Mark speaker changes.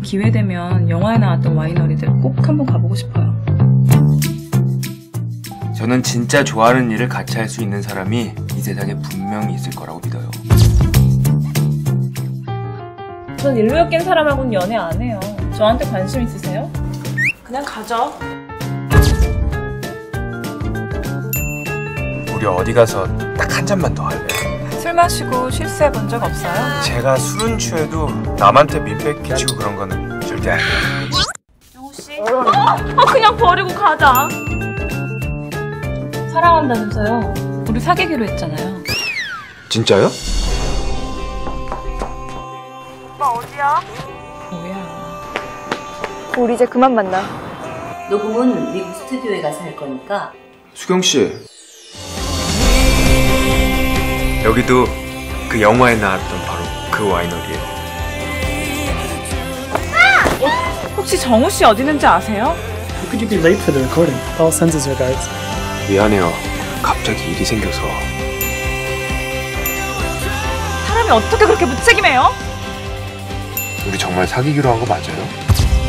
Speaker 1: 기회 되면 영화에 나왔던 와이너리들 꼭 한번 가보고 싶어요.
Speaker 2: 저는 진짜 좋아하는 일을 같이 할 수 있는 사람이 이 세상에 분명히 있을 거라고 믿어요.
Speaker 1: 전 일로 엮인 사람하고는 연애 안 해요. 저한테 관심 있으세요? 그냥 가죠.
Speaker 2: 우리 어디 가서 딱 한 잔만 더 할래?
Speaker 1: 술 마시고 실수해 본 적 없어요?
Speaker 2: 제가 술은 취해도 남한테 민폐 끼치고 그런 거는 절대 아니에요.
Speaker 1: 영호씨? 그냥 버리고 가자. 사랑한다면서요. 우리 사귀기로 했잖아요.
Speaker 2: 진짜요?
Speaker 3: 오빠 어디야?
Speaker 1: 뭐야.
Speaker 3: 우리 이제 그만 만나.
Speaker 4: 녹음은 미국 스튜디오에 가서 할 거니까.
Speaker 2: 수경 씨. 여기도 그 영화에 나왔던 바로 그 와이너리예요.
Speaker 1: 혹시 정우 씨 어디 있는지 아세요?
Speaker 5: How could you be late for the recording? Paul sends his regards.
Speaker 2: 미안해요. 갑자기 일이 생겨서.
Speaker 1: 사람이 어떻게 그렇게 무책임해요?
Speaker 2: 우리 정말 사귀기로 한 거 맞아요?